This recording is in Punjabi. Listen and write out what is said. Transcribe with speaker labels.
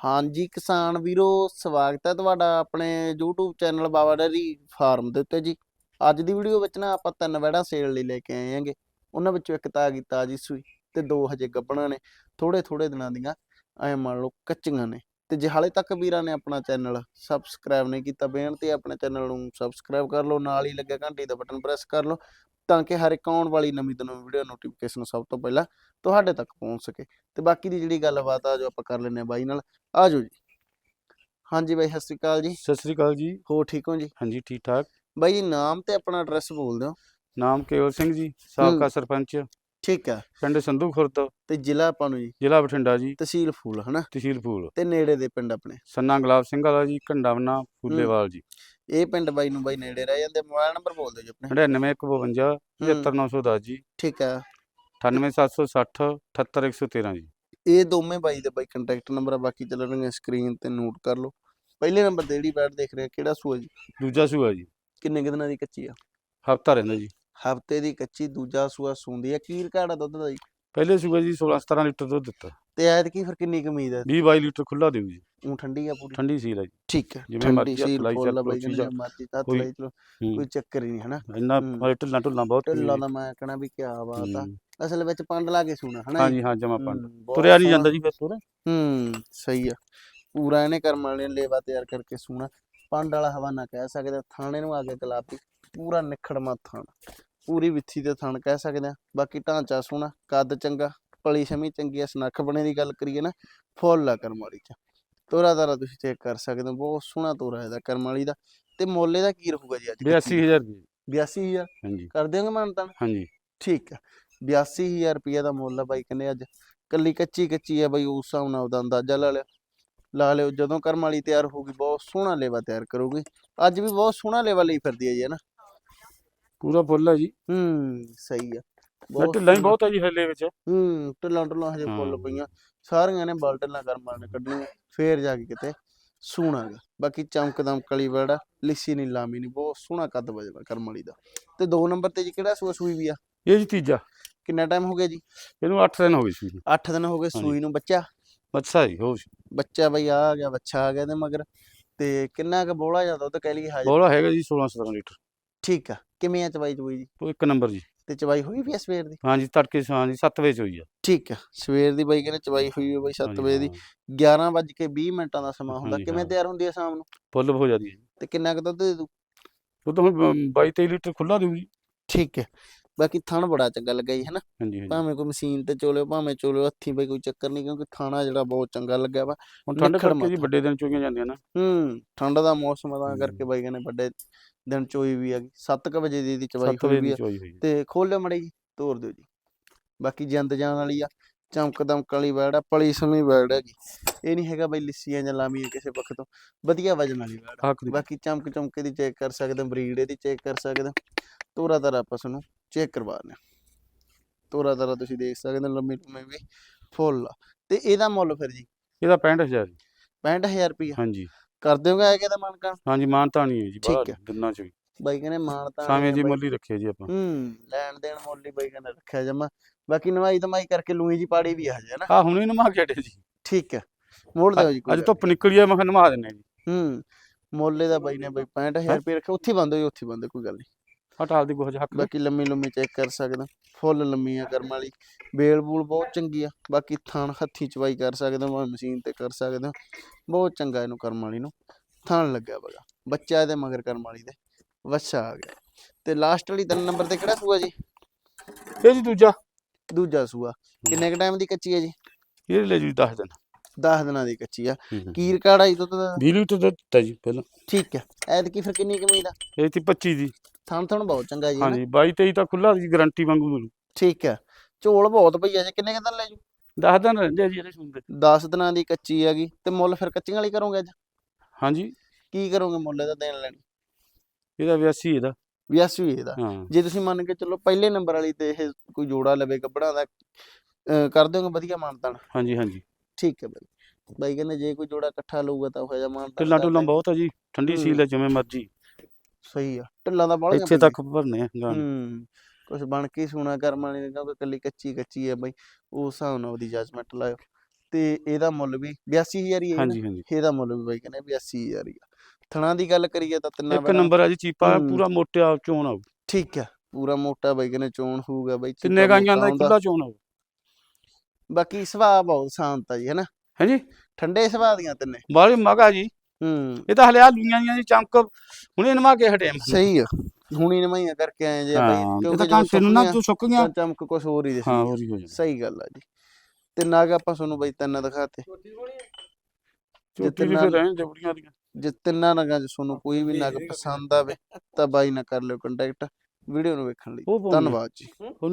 Speaker 1: ਹਾਂਜੀ ਕਿਸਾਨ ਵੀਰੋ, ਸਵਾਗਤ ਹੈ ਤੁਹਾਡਾ ਆਪਣੇ YouTube channel Baba dairy farm ਦੇ ਉੱਤੇ ਜੀ। ਅੱਜ ਦੀ ਵੀਡੀਓ ਵਿੱਚ ਨਾ ਆਪਾਂ 3 ਵੈੜਾਂ ਸੇਲ ਲਈ ਲੈ ਕੇ ਆਏ ਆਂਗੇ। ਉਹਨਾਂ ਵਿੱਚੋਂ ਇੱਕ ਤਾਂ ਆ ਗਈ ਤਾਜੀ ਸੂਈ ਤੇ 2 ਹਜੇ ਗੱਭਣਾਂ ਨੇ, ਥੋੜੇ ਦਿਨਾਂ ਦੀਆਂ ਐ ਮੰਨ ਲਓ ਕੱਚੀਆਂ ਨੇ। ਤੇ ਜੇ ਹਾਲੇ ਤੱਕ ਵੀਰਾਂ ਨੇ ਆਪਣਾ ਚੈਨਲ ਸਬਸਕ੍ਰਾਈਬ ਨਹੀਂ ਕੀਤਾ, ਬੇਨਤੀ ਹੈ ਆਪਣੇ ਚੈਨਲ ਨੂੰ ਸਬਸਕ੍ਰਾਈਬ ਕਰ ਲਓ, ਨਾਲ ਹੀ ਲੱਗਿਆ ਘੰਟੀ ਦਾ ਬਟਨ ਪ੍ਰੈਸ ਕਰ ਲਓ ਤਾਂ ਕਿ ਹਰ ਇੱਕ ਆਉਣ ਵਾਲੀ ਨਵੀਂ ਤੋਂ ਨਵੀਂ ਵੀਡੀਓ ਨੋਟੀਫਿਕੇਸ਼ਨ ਸਭ ਤੋਂ ਪਹਿਲਾਂ ਤੁਹਾਡੇ ਤੱਕ ਪਹੁੰਚ ਸਕੇ। ਤੇ ਬਾਕੀ ਦੀ ਜਿਹੜੀ ਗੱਲਬਾਤ ਆ ਜੋ ਆਪਾਂ ਕਰ ਲੈਂਦੇ ਹਾਂ ਬਾਈ ਨਾਲ, ਆ ਜਾਓ ਜੀ। ਹਾਂਜੀ ਬਾਈ, ਸਤਿ ਸ਼੍ਰੀ ਅਕਾਲ ਜੀ।
Speaker 2: ਸਤਿ ਸ੍ਰੀ ਅਕਾਲ ਜੀ।
Speaker 1: ਹੋਰ ਠੀਕ ਹੋ ਜੀ?
Speaker 2: ਹਾਂਜੀ ਠੀਕ ਠਾਕ।
Speaker 1: ਬਾਈ ਜੀ ਨਾਮ ਤੇ ਆਪਣਾ ਐਡਰੈਸ ਬੋਲ ਦਿਓ।
Speaker 2: ਨਾਮ ਕੇਵਲ ਸਿੰਘ ਜੀ, ਸਾਬਕਾ ਸਰਪੰਚ,
Speaker 1: ਠੀਕ ਹੈ।
Speaker 2: ਪਿੰਡ ਸੰਧੂ ਖੁਰਦ,
Speaker 1: ਤੇ ਜ਼ਿਲ੍ਹਾ ਆਪਾਂ ਨੂੰ ਜੀ?
Speaker 2: ਜ਼ਿਲ੍ਹਾ ਬਠਿੰਡਾ ਜੀ,
Speaker 1: ਤਹਿਸੀਲ ਫੂਲ ਹਨਾ?
Speaker 2: ਤਹਿਸੀਲ ਫੂਲ।
Speaker 1: ਤੇ ਨੇੜੇ ਦੇ ਪਿੰਡ ਆਪਣੇ?
Speaker 2: ਸੰਨਾ ਗੁਲਾਬ ਸਿੰਘ ਵਾਲਾ ਜੀ, ਘੰਡਾਵਨਾ, ਫੂਲੇਵਾਲ ਜੀ।
Speaker 1: ਇਹ ਪਿੰਡ ਬਾਈ ਨੂੰ ਬਾਈ ਨੇੜੇ ਰਹਿ ਜਾਂਦੇ। ਮੋਬਾਈਲ ਨੰਬਰ ਬੋਲ ਦਿਓ ਜੀ ਆਪਣੇ।
Speaker 2: 99 152 75910 ਜੀ।
Speaker 1: ਠੀਕ ਹੈ।
Speaker 2: 98760 78113 ਜੀ।
Speaker 1: ਇਹ ਦੋਵੇਂ ਬਾਈ ਦੇ ਬਾਈ ਕੰਟੈਕਟ ਨੰਬਰ ਆ, ਬਾਕੀ ਚੱਲਣਗੇ ਸਕਰੀਨ ਤੇ ਨੋਟ ਕਰ ਲਓ। ਪਹਿਲੇ ਨੰਬਰ ਤੇ ਜਿਹੜੀ ਬੈਟ ਦੇਖ ਰਹੇ ਕਿਹੜਾ ਸੂਆ ਜੀ?
Speaker 2: ਦੂਜਾ ਸੂਆ ਜੀ।
Speaker 1: ਕਿੰਨੇ ਕੁ ਦਿਨਾਂ ਦੀ ਕੱਚੀ ਆ?
Speaker 2: ਹਫਤਾ ਰਹਿੰਦਾ ਜੀ।
Speaker 1: ਹਫਤੇ ਦੀ ਕੱਚੀ, ਦੂਜਾ ਸੂਆ ਸੂੰਦੀ ਆ। ਕੀ ਰਿਕਾਰਡ ਆ ਦੁੱਧ ਦਾ ਜੀ?
Speaker 2: ਪਹਿਲੇ ਸੂਆ ਜੀ 16-17 ਲੀਟਰ ਦੁੱਧ ਦਿੱਤਾ।
Speaker 1: ਤੇ ਐਤਕੀ ਫਿਰ ਕਿੰਨੀ ਕੁ ਉਮੀਦ ਹੈ?
Speaker 2: 20-22 ਲੀਟਰ ਖੁੱਲਾ ਦਿਓ ਜੀ।
Speaker 1: ਉਹ ਠੰਡੀ ਆ ਪੂਰੀ?
Speaker 2: ਠੰਡੀ ਸੀਲ ਹੈ ਜੀ।
Speaker 1: ਠੀਕ ਹੈ,
Speaker 2: ਜਿਵੇਂ ਮਰਜ਼ੀ ਹੱਥ ਲਾਈ ਚੱਲ
Speaker 1: ਬਾਈ ਜਿਵੇਂ ਮਰਜ਼ੀ ਹੱਥ ਲਾਈ ਚਲੋ, ਕੋਈ ਚੱਕਰ ਹੀ ਨਹੀਂ ਹਨਾ।
Speaker 2: ਇੰਨਾ ਢਿੱਲਾਂ ਬਹੁਤ
Speaker 1: ਢਿੱਲਾਂ ਦਾ ਮੈਂ ਕਹਿਣਾ ਵੀ ਕਿਆ ਬਾਤ ਆ। ਅਸਲ ਵਿੱਚ ਪੰਡ ਲਾ ਕੇ ਸੂਣਾ ਹਨਾ?
Speaker 2: ਹਾਂਜੀ ਹਾਂ, ਜਮਾ ਪੰਡ ਤੁਰਿਆ ਨਹੀਂ ਜਾਂਦਾ ਜੀ ਫਿਰ ਤੁਰ।
Speaker 1: ਸਹੀ ਆ। ਪੂਰਾ ਇਹਨੇ ਕਰਮ ਵਾਲੇ ਨੇ ਲੇਵਾ ਤਿਆਰ ਕਰਕੇ ਸੂਣਾ। ਪੰਡ ਵਾਲਾ ਹਵਾਨਾ ਕਹਿ ਸਕਦੇ। ਥਾਣੇ ਨੂੰ ਆ ਕੇ ਗੁਲਾਬੀ, ਪੂਰਾ ਨਿਖੜਮਾ ਥਣ, ਪੂਰੀ ਵਿੱਥੀ ਤੇ ਥਣ ਕਹਿ ਸਕਦੇ ਆ। ਬਾਕੀ ਢਾਂਚਾ ਸੋਹਣਾ, ਕੱਦ ਚੰਗਾ, ਪਲੀ ਸ਼ਮੀ ਚੰਗੀ ਆ। ਸਨੱਖ ਬਣੇ ਦੀ ਗੱਲ ਕਰੀਏ ਨਾ, ਫੁੱਲ ਆ ਕਰਮ ਵਾਲੀ ਚ। ਤੋਰਾ ਤਾਰਾ ਤੁਸੀਂ ਚੈੱਕ ਕਰ ਸਕਦੇ ਹੋ, ਬਹੁਤ ਸੋਹਣਾ ਤੋਰਾ ਇਹਦਾ ਕਰਮ ਵਾਲੀ ਦਾ। ਤੇ ਮੁੱਲ ਇਹਦਾ ਕੀ ਰਹੂਗਾ ਜੀ ਅੱਜ?
Speaker 2: 82,000 ਰੁਪਏ।
Speaker 1: 82,000
Speaker 2: ਹਾਂਜੀ
Speaker 1: ਕਰ ਦਿਆਂਗੇ ਮਾਨਤਾਨ?
Speaker 2: ਹਾਂਜੀ
Speaker 1: ਠੀਕ ਆ। 82,000 ਰੁਪਏ ਦਾ ਮੁੱਲ ਆ ਬਾਈ ਕਹਿੰਦੇ। ਅੱਜ ਕੱਲੀ ਕੱਚੀ ਆ ਬਾਈ, ਉਸ ਹਿਸਾਬ ਨਾਲ ਉਹਦਾ ਅੰਦਾਜ਼ਾ ਲਾ ਲਿਓ। ਜਦੋਂ ਕਰਮ ਵਾਲੀ ਤਿਆਰ ਹੋਊਗੀ ਬਹੁਤ ਸੋਹਣਾ ਲੇਵਾ ਤਿਆਰ ਕਰੂਗੀ। ਅੱਜ ਵੀ ਬਹੁਤ ਸੋਹਣਾ ਲੇਵਾ ਲਈ ਫਿਰਦੀ ਹੈ ਜੀ ਹਨਾ?
Speaker 2: ਪੂਰਾ ਫੁੱਲ ਆ ਜੀ।
Speaker 1: ਸਹੀ ਆ।
Speaker 2: ਢਿੱਲਾਂ ਹੀ ਬਹੁਤ ਆ ਜੀ ਹੱਲੇ ਵਿੱਚ।
Speaker 1: ਢਿੱਲਾਂ ਹਜੇ ਫੁੱਲ ਪਈਆਂ ਸਾਰੀਆਂ ਨੇ। ਢਿੱਲਾਂ ਕਰਮ ਵਾਲੇ ਨੇ ਕੱਢਣੀਆਂ, ਫੇਰ ਜਾ ਕੇ ਕਿਤੇ ਸੋਹਣਾ ਗਾ। ਬਾਕੀ ਚਮਕ ਦਮਕ ਵਾਲੀ ਵੜਾ, ਲਿੱਸੀ ਨਹੀਂ ਲਾਮੀ ਨਹੀਂ, ਬਹੁਤ ਸੋਹਣਾ ਕੱਦ ਵਜਦਾ ਕਰਮ ਵਾਲੀ ਦਾ। ਤੇ 2 ਨੰਬਰ ਤੇ ਜੀ ਕਿਹੜਾ ਸੂਆ ਸੂਈ ਵੀ ਆ?
Speaker 2: ਇਹ ਜੀ ਤੀਜਾ।
Speaker 1: ਕਿੰਨਾ ਟਾਈਮ ਹੋ ਗਿਆ ਜੀ
Speaker 2: ਇਹਨੂੰ? 8 ਦਿਨ ਹੋ ਗਏ ਸੂਈ ਨੂੰ।
Speaker 1: 8 ਦਿਨ ਹੋ ਗਏ ਸੂਈ ਨੂੰ। ਬੱਚਾ?
Speaker 2: ਬੱਚਾ ਜੀ ਹੋ
Speaker 1: ਬੱਚਾ ਬਾਈ ਆ ਗਿਆ, ਬੱਚਾ ਆ ਗਿਆ ਤੇ ਮਗਰ। ਤੇ ਕਿੰਨਾ ਕੁ ਬੋਲਾ ਜਾਂ ਦੁੱਧ ਕਹਿ ਲਈਏ ਹਾਜ਼ਰ?
Speaker 2: ਬੋਲਾ ਹੈਗਾ ਜੀ 16-17 ਲੀਟਰ।
Speaker 1: ਠੀਕ ਆ। ਕਿਵੇਂ ਆ ਚਵਾਈ ਚਵਾਈ ਜੀ?
Speaker 2: ਉਹ 1 ਨੰਬਰ ਜੀ।
Speaker 1: ਤੇ ਚਵਾਈ ਹੋਈ ਵੀ ਆ ਸਵੇਰ ਦੀ?
Speaker 2: ਹਾਂਜੀ ਤੜਕੇ ਹਾਂਜੀ 7 ਵਜੇ ਹੋਈ ਆ।
Speaker 1: ਠੀਕ ਆ। ਸਵੇਰ ਦੀ ਬਾਈ ਕਹਿੰਦੇ ਚਵਾਈ ਹੋਈ ਆ ਬਾਈ 7 ਵਜੇ ਦੀ। 11:20 ਦਾ ਸਮਾਂ ਹੁੰਦਾ। ਕਿਵੇਂ ਤਿਆਰ ਹੁੰਦੀ ਆ ਸ਼ਾਮ ਨੂੰ?
Speaker 2: ਫੁੱਲ ਹੋ ਜਾਂਦੀ ਹੈ ਜੀ।
Speaker 1: ਤੇ ਕਿੰਨਾ ਕੁ ਦੁੱਧ ਦੇ ਦੂ?
Speaker 2: ਉਹ ਤਾਂ ਹੁਣ 22-23 ਲੀਟਰ ਖੁੱਲਾ ਦਿਓ ਜੀ।
Speaker 1: ਠੀਕ ਹੈ। ਬਾਕੀ ਥਣ ਬੜਾ ਚੰਗਾ ਲੱਗਾ ਜੀ ਹਨਾ?
Speaker 2: ਹਾਂਜੀ
Speaker 1: ਭਾਵੇਂ ਕੋਈ ਮਸ਼ੀਨ ਤੇ ਚੋਲਿਓ, ਭਾਵੇਂ ਚੋਲਿਓ ਹੱਥੀਂ, ਬਾਈ ਕੋਈ ਚੱਕਰ ਨਹੀਂ। ਕਿਉਂਕਿ ਥਾਣਾ ਜਿਹੜਾ ਬਹੁਤ ਚੰਗਾ ਲੱਗਿਆ ਵਾ।
Speaker 2: ਹੁਣ ਠੰਡ ਕਰਕੇ ਜੀ ਵੱਡੇ ਦਿਨ ਚੋਈਆਂ ਜਾਂਦੀਆਂ ਨਾ।
Speaker 1: ਠੰਡ ਦਾ ਮੌਸਮ ਤਾਂ ਕਰਕੇ ਬਾਈ ਕਹਿੰਦੇ ਵੱਡੇ ਦਿਨ ਚੋਈ ਵੀ ਆ ਗਈ। 7 ਵਜੇ ਦੀ ਚਵਾਈ ਹੋਈ ਵੀ ਆ। ਤੇ ਖੋਲਿਓ ਮੜੀ ਜੀ, ਤੋਰ ਦਿਓ ਜੀ। ਬਾਕੀ ਜਿੰਦ ਜਾਨ ਵਾਲੀ ਆ, ਚਮਕ ਦਮਕ ਵਾਲੀ ਵੈੜ ਆ, ਪਲੀ ਸਮੀ ਵੈੜ ਹੈਗੀ। ਇਹ ਨਹੀਂ ਹੈਗਾ ਬਾਈ ਲਿੱਸੀਆਂ ਜਾਂ ਲਾਮੀਆਂ ਕਿਸੇ ਪੱਖ ਤੋਂ, ਵਧੀਆ ਵਜਨ ਵਾਲੀ ਵੈੜ। ਬਾਕੀ ਚਮਕ ਚਮਕੇ ਦੀ ਚੈੱਕ ਕਰ ਸਕਦੇ, ਬਰੀਡ ਇਹਦੀ ਚੈੱਕ ਕਰ ਸਕਦੇ। ਤੋਰਾ ਤਾਰਾ ਆਪਾਂ ਤੁਹਾਨੂੰ ਚੈੱਕ ਕਰਵਾ ਲਿਆ। ਤੋਰਾ ਤਾਰਾ ਤੁਸੀਂ ਦੇਖ ਸਕਦੇ ਹੋ, ਲੰਮੀ ਲੰਮੀ ਵੀ ਫੁੱਲ ਆ। ਤੇ ਇਹਦਾ ਮੁੱਲ ਫਿਰ ਜੀ?
Speaker 2: ਇਹਦਾ 65,000।
Speaker 1: 65,000 ਰੁਪਇਆ?
Speaker 2: ਹਾਂਜੀ।
Speaker 1: ਕਰ ਦਿਓਗੇ ਆ ਕੇ ਤਾਂ ਮਾਨਕਾ?
Speaker 2: ਹਾਂਜੀ ਮਾਨਤਾ ਨਹੀਂ ਹੈ ਜੀ।
Speaker 1: ਠੀਕ ਹੈ।
Speaker 2: ਦਿਨਾਂ ਚ ਵੀ
Speaker 1: ਬਾਈ ਕਹਿੰਦੇ ਮਾਨਤਾ
Speaker 2: ਸਾਵੇਂ ਜੀ ਮੁੱਲ ਹੀ ਰੱਖਿਆ ਜੀ ਆਪਾਂ।
Speaker 1: ਲੈਣ ਦੇਣ ਮੁੱਲ ਹੀ ਬਾਈ ਕਹਿੰਦੇ ਰੱਖਿਆ ਜਮਾ। ਬਾਕੀ ਨਵਾਈ ਧਮਾਈ ਕਰਕੇ ਲੂਈ ਜੀ ਪਾੜੀ ਵੀ ਆ ਹਜੇ ਨਾ?
Speaker 2: ਹੁਣੇ ਨਮਾ ਕੇ ਹਟੇ ਜੀ।
Speaker 1: ਠੀਕ ਹੈ। ਮੋੜ ਦਿਓ ਜੀ।
Speaker 2: ਅੱਜ ਧੁੱਪ ਨਿਕਲੀ ਆ, ਮੈਂ ਕਿਹਾ ਨਮਾ ਦਿੰਨੇ
Speaker 1: ਜੀ। ਮੁੱਲ ਦਾ ਬਾਈ ਨੇ ਬਾਈ 65,000 ਰੁਪਏ ਰੱਖਿਆ। ਉੱਥੇ ਬੰਦ ਹੋਈ, ਉੱਥੇ ਬੰਦ, ਕੋਈ ਗੱਲ ਨਹੀਂ।
Speaker 2: ਹਟਾਲ ਦੀ ਕੁਝ ਹੱਕ।
Speaker 1: ਬਾਕੀ ਲੰਮੀ ਲੰਮੀ ਚੈੱਕ ਕਰ ਸਕਦਾ, ਫੁੱਲ ਲੰਮੀ ਆ ਕਰਮ ਵਾਲੀ। ਬੇਲ ਬੂਲ ਬਹੁਤ ਚੰਗੀ ਆ। ਬਾਕੀ ਥਣ ਹੱਥੀ ਚਵਾਈ ਕਰ ਸਕਦੇ ਹੋ, ਮਸ਼ੀਨ ਤੇ ਕਰ ਸਕਦੇ ਹੋ। ਬਹੁਤ ਚੰਗਾ ਇਹਨੂੰ ਕਰਮ ਵਾਲੀ ਨੂੰ ਥਣ ਲੱਗਿਆ ਬਗਾ। ਬੱਚਾ ਇਹਦੇ ਮਗਰ ਕਰਮ ਵਾਲੀ ਦੇ ਵੱਛਾ ਆ ਗਿਆ। ਤੇ ਲਾਸਟ ਵਾਲੀ 3 ਨੰਬਰ ਤੇ ਕਿਹੜਾ ਸੂਆ ਜੀ?
Speaker 2: ਇਹ ਜੀ ਦੂਜਾ।
Speaker 1: ਦੂਜਾ ਸੂਆ। ਕਿੰਨੇ ਕ ਟਾਈਮ ਦੀ ਕੱਚੀ ਹੈ ਜੀ?
Speaker 2: ਇਹ ਲੈ ਜੀ 10 ਦਿਨ।
Speaker 1: 10 ਦਿਨਾਂ ਦੀ ਕੱਚੀ ਆ। ਕੀ ਰਿਕਾਰਡ ਆ ਜੀ ਦੁੱਧ ਦਾ?
Speaker 2: 20 ਲੀਟਰ ਦੁੱਧ ਦਿੱਤਾ ਜੀ ਪਹਿਲਾਂ।
Speaker 1: ਠੀਕ ਹੈ। ਐਤਕੀ ਫਿਰ ਕਿੰਨੀ ਕੁ ਉਮੀਦ ਆ?
Speaker 2: ਇਹ ਸੀ 25 ਦੀ।
Speaker 1: ਥਣ ਥਣ ਬਹੁਤ ਚੰਗਾ ਜੀ।
Speaker 2: ਹਾਂਜੀ 22-23 ਤਾਂ ਖੁੱਲਾ ਜੀ, ਗਰੰਟੀ ਵਾਂਗੂ ਮਿਲੂ।
Speaker 1: ਠੀਕ ਹੈ। ਝੋਲ ਬਹੁਤ ਪਈ ਆ ਜੀ। ਕਿੰਨੇ ਕੁ ਦਿਨ ਲੈ ਜੂ?
Speaker 2: 10 ਦਿਨ ਰਹਿੰਦੇ ਆ ਜੀ ਇਹਦੇ ਸੁਣਦੇ।
Speaker 1: 10 ਦਿਨਾਂ ਦੀ ਕੱਚੀ ਹੈਗੀ। ਤੇ ਮੁੱਲ ਫਿਰ ਕੱਚੀਆਂ ਵਾਲੀ ਕਰੋਗੇ ਅੱਜ?
Speaker 2: ਹਾਂਜੀ।
Speaker 1: ਕੀ ਕਰੋਗੇ ਮੁੱਲ ਇਹਦਾ ਦੇਣ ਲੈਣ?
Speaker 2: ਇਹਦਾ 82 ਇਹਦਾ।
Speaker 1: 82 ਇਹਦਾ। ਜੇ ਤੁਸੀਂ ਮੰਨ ਕੇ ਚਲੋ ਪਹਿਲੇ ਨੰਬਰ ਵਾਲੀ ਤੇ ਇਹ ਕੋਈ ਜੋੜਾ ਲਵੇ ਗੱਬੜਾ ਦਾ, ਕਰ ਦਿਓਗੇ ਵਧੀਆ ਮਾਨਤਾਨ?
Speaker 2: ਹਾਂਜੀ ਹਾਂਜੀ।
Speaker 1: ਠੀਕ ਹੈ ਬਾਈ। ਬਾਈ ਕਹਿੰਦੇ ਜੇ ਕੋਈ ਜੋੜਾ ਇਕੱਠਾ ਲਊਗਾ ਤਾਂ ਉਹ ਜਿਹਾ ਮਾਨਤਾਨ।
Speaker 2: ਢਿੱਲਾਂ ਬਹੁਤ ਆ ਜੀ, ਠੰਡੀ ਸੀਲ ਹੈ, ਜਿਵੇਂ ਮਰਜੀ।
Speaker 1: ਸਹੀ ਆ। ਢਿੱਲਾਂ ਦਾ ਬਾਹਲੀਆਂ
Speaker 2: ਇੱਥੇ ਤੱਕ ਭਰਨੇ ਆ।
Speaker 1: ਕੁਛ ਬਣ ਕੇ ਸੋਨਾ ਕਰਮ ਵਾਲੀ ਨੇ, ਕਿਉਂਕਿ ਕੱਲੀ ਕੱਚੀ ਹੈ ਬਾਈ। ਉਸ ਹਿਸਾਬ ਨਾਲ ਉਹਦੀ ਜੱਜਮੈਂਟ ਲਾਇਓ। ਤੇ ਇਹਦਾ ਮੁੱਲ ਵੀ 82000 ਹੀ ਹੈ
Speaker 2: ਹਾਂਜੀ ਹਾਂਜੀ
Speaker 1: ਇਹਦਾ ਮੁੱਲ ਵੀ ਬਾਈ ਕਹਿੰਦੇ 82000 ਹੀ ਆ। ਥਣਾ ਦੀ ਗੱਲ ਕਰੀਏ ਤਾਂ ਤਿੰਨਾਂ
Speaker 2: ਇੱਕ
Speaker 1: ਬੈੜਾਂ
Speaker 2: ਨੰਬਰ ਆ ਜੀ ਚੀਪਾ
Speaker 1: ਹੂੰ।
Speaker 2: ਪੂਰਾ ਮੋਟਿਆ ਚੋਣ ਆਊ
Speaker 1: ਠੀਕ ਆ ਪੂਰਾ ਮੋਟਾ ਬਾਈ ਕਹਿੰਦੇ ਚੋਣ ਹੋਊਗਾ ਬਾਈ
Speaker 2: ਤਿੰਨੇ
Speaker 1: ਚੀਪਾ
Speaker 2: ਗਾਈਆਂ
Speaker 1: ਮੋਟਾ
Speaker 2: ਦਾ
Speaker 1: ਆਉਂਦਾ।
Speaker 2: ਖੁੱਲਾ ਚੋਣ ਆਊ
Speaker 1: ਬਾਕੀ ਸੁਭਾਅ ਬਹੁਤ ਸ਼ਾਂਤ ਆ ਜੀ ਹਨਾ
Speaker 2: ਹਾਂਜੀ
Speaker 1: ਠੰਡੇ ਸੁਭਾਅ ਦੀਆਂ ਤਿੰਨੇ
Speaker 2: ਬਾਹਲੀ ਮਗਾ ਜੀ
Speaker 1: ਹੂੰ
Speaker 2: ਇਹ ਤਾਂ ਹਲੇ ਆ ਲੂਈਆਂ ਦੀਆਂ ਦੀ ਚਮਕ ਹੁਣੇ ਨਵਾ ਕੇ ਹਟੇ
Speaker 1: ਸਹੀ ਆ ਹੁਣੀ ਨਵਾਈਆਂ ਕਰਕੇ ਆਏ ਜੇ ਬਾਈ
Speaker 2: ਹਾਂ ਇਹ
Speaker 1: ਕਿਉਂਕਿ
Speaker 2: ਤਾਂ
Speaker 1: ਜਦੋਂ
Speaker 2: ਘੰਟੇ ਨੂੰ ਨਾ ਜੋ ਸੁੱਕ ਗਿਆ
Speaker 1: ਤਾਂ ਚਮਕ ਕੁਛ ਹੋਰ ਹੀ
Speaker 2: ਹਾਂ
Speaker 1: ਦਿਸਦੀ
Speaker 2: ਹੋਰ ਹੀ ਹੋ ਜਾਂਦਾ
Speaker 1: ਸਹੀ ਗੱਲ ਆ ਜੀ। ਤੇ ਨਾਗ ਆਪਾਂ ਤੁਹਾਨੂੰ ਬਾਈ ਤਿੰਨ ਦਿਖਾਤੇ
Speaker 2: ਚੋਟੀ ਵੀ ਫਿਰ ਰਹਿਣ ਦੇ ਬੁੜੀਆਂ ਦੀਆਂ
Speaker 1: ਜੇ ਤਿੰਨਾਂ ਨਗਾਂ ਚ ਤੁਹਾਨੂੰ ਕੋਈ ਵੀ ਨਗ ਪਸੰਦ ਆਵੇ ਤਾਂ ਬਾਈ ਨਾਲ ਕਰ ਲਿਓ ਕੰਟੈਕਟ ਵੀਡੀਓ ਨੂੰ ਵੇਖਣ ਲਈ
Speaker 2: ਉਹ ਪਾਉਣੀ ਆ।
Speaker 1: ਧੰਨਵਾਦ ਜੀ।